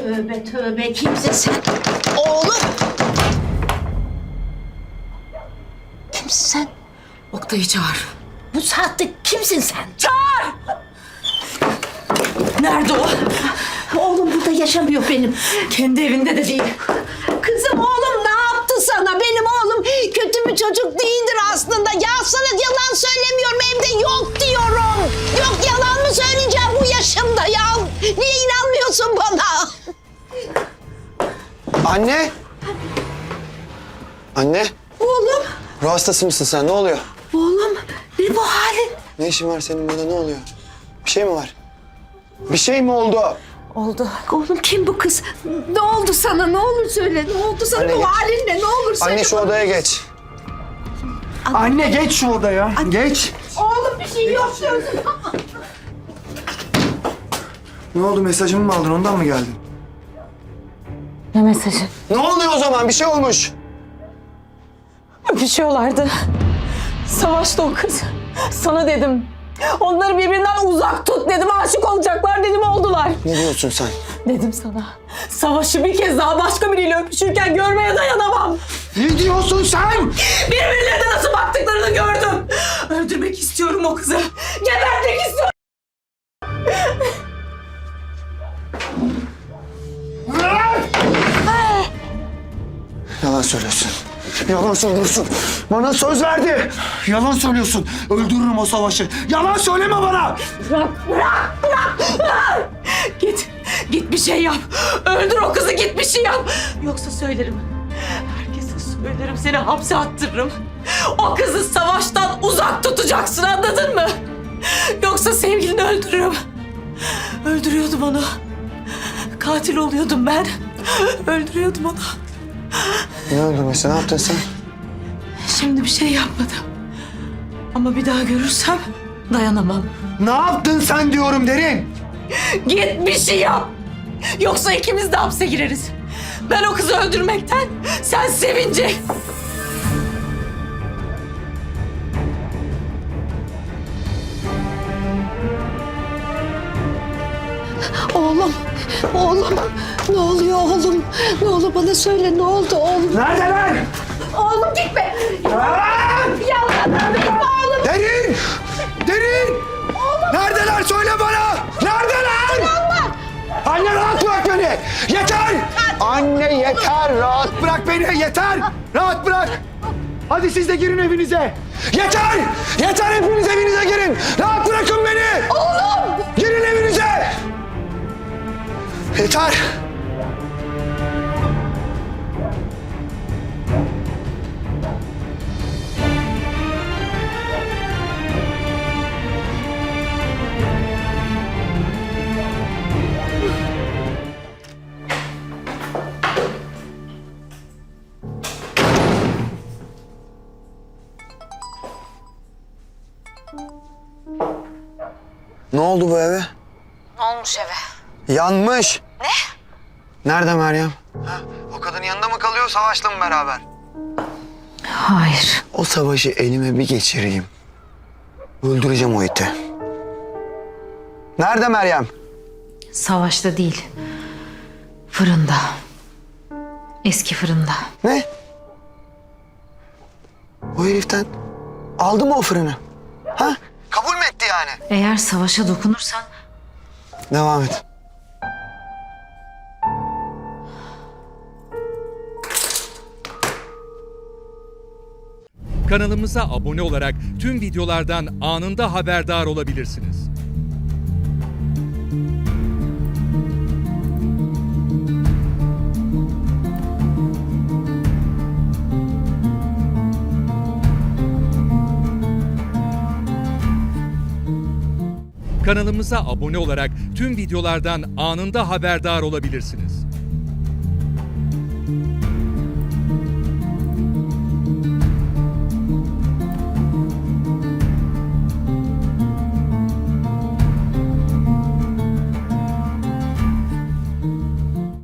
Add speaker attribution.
Speaker 1: Tövbe tövbe, kimsin sen? Oğlum! Kimsin sen?
Speaker 2: Oktay'ı çağır.
Speaker 1: Bu saatte kimsin sen?
Speaker 2: Çağır! Nerede o?
Speaker 1: Oğlum burada yaşamıyor benim.
Speaker 2: Kendi evinde de değil.
Speaker 1: Kızım oğlum ne yaptı sana? Benim oğlum kötü bir çocuk değildir aslında. Ya sana yalan söylemiyorum, evde yok diyorum. Yok, yalan mı söyleyeceğim bu yaşımda ya? Niye inanmıyorsun bana?
Speaker 3: Anne! Anne!
Speaker 1: Oğlum,
Speaker 3: Ruh hastası mısın sen? Ne oluyor?
Speaker 1: oğlum ne bu halin?
Speaker 3: Ne işin var senin burada? Ne oluyor? Bir şey mi var? Bir şey mi oldu?
Speaker 1: Oldu. Oğlum kim bu kız? Ne oldu sana? Ne olur söyle. Ne oldu sana?
Speaker 3: Anne,
Speaker 1: Bu
Speaker 3: geç.
Speaker 1: halin ne? Ne olur söyle.
Speaker 3: Anne şu
Speaker 1: bana.
Speaker 3: odaya geç.
Speaker 4: Anne geç şu odaya. Geç.
Speaker 1: Oğlum bir şey yok diyorsun.
Speaker 4: Ne oldu, mesajımı mı aldın, ondan mı geldin?
Speaker 2: Ne mesajı?
Speaker 3: Ne oluyor o zaman? Bir şey olmuş.
Speaker 2: Öpüşüyorlardı. Savaşta o kız. Sana dedim. Onları birbirinden uzak tut dedim. Aşık olacaklar dedim, oldular.
Speaker 3: Ne diyorsun sen?
Speaker 2: Dedim sana. Savaşı bir kez daha başka biriyle öpüşürken görmeye dayanamam.
Speaker 4: Ne diyorsun sen?
Speaker 2: Birbirlerine nasıl baktıklarını gördüm. Öldürmek istiyorum o kızı. Gebertmek istiyorum.
Speaker 3: Yalan söylüyorsun. Yalan söylüyorsun. Bana söz verdi.
Speaker 4: Yalan söylüyorsun. Öldürürüm o savaşı. Yalan söyleme bana.
Speaker 2: Bırak. Git bir şey yap. Öldür o kızı, git bir şey yap. Yoksa söylerim. Herkese söylerim, seni hapse attırırım. O kızı savaştan uzak tutacaksın, anladın mı? Yoksa sevgilini öldürürüm. Öldürüyordum onu. Katil oluyordum ben. Öldürüyordum onu.
Speaker 3: Ne öldürmesi? Ne yaptın sen?
Speaker 2: Şimdi bir şey yapmadım. Ama bir daha görürsem dayanamam.
Speaker 4: Ne yaptın sen diyorum Derin.
Speaker 2: Git bir şey yap. Yoksa ikimiz de hapse gireriz. Ben o kızı öldürmekten, sen sevince.
Speaker 1: Oğlum, oğlum. Ne oluyor oğlum? Ne olur bana söyle, ne oldu oğlum?
Speaker 4: Neredeler?
Speaker 1: Oğlum gitme. Yalan benim oğlum.
Speaker 4: Derin! Derin! Neredeler, söyle bana! Neredeler? Anne rahat bırak beni! Yeter!
Speaker 3: Anne yeter. Rahat.
Speaker 4: Bırak beni, yeter! Rahat bırak! Hadi siz de girin evinize! Yeter! Yeter, hepiniz evinize girin! Rahat bırakın beni!
Speaker 1: Oğlum.
Speaker 4: Girin evinize!
Speaker 3: Yeter. Ne oldu bu eve?
Speaker 2: Ne olmuş eve?
Speaker 3: Yanmış. Ne? Nerede Meryem? Ha, o kadın yanında mı kalıyor, Savaş'la mı beraber?
Speaker 2: Hayır.
Speaker 3: O savaşı elime bir geçireyim. Öldüreceğim o iti. Nerede Meryem?
Speaker 5: Savaşta değil. Fırında. Eski fırında.
Speaker 3: Ne? O heriften aldı mı o fırını? Ha? Kabul mü etti yani?
Speaker 5: Eğer savaşa dokunursan
Speaker 3: Devam et.
Speaker 6: Kanalımıza abone olarak tüm videolardan anında haberdar olabilirsiniz. Kanalımıza abone olarak tüm videolardan anında haberdar olabilirsiniz.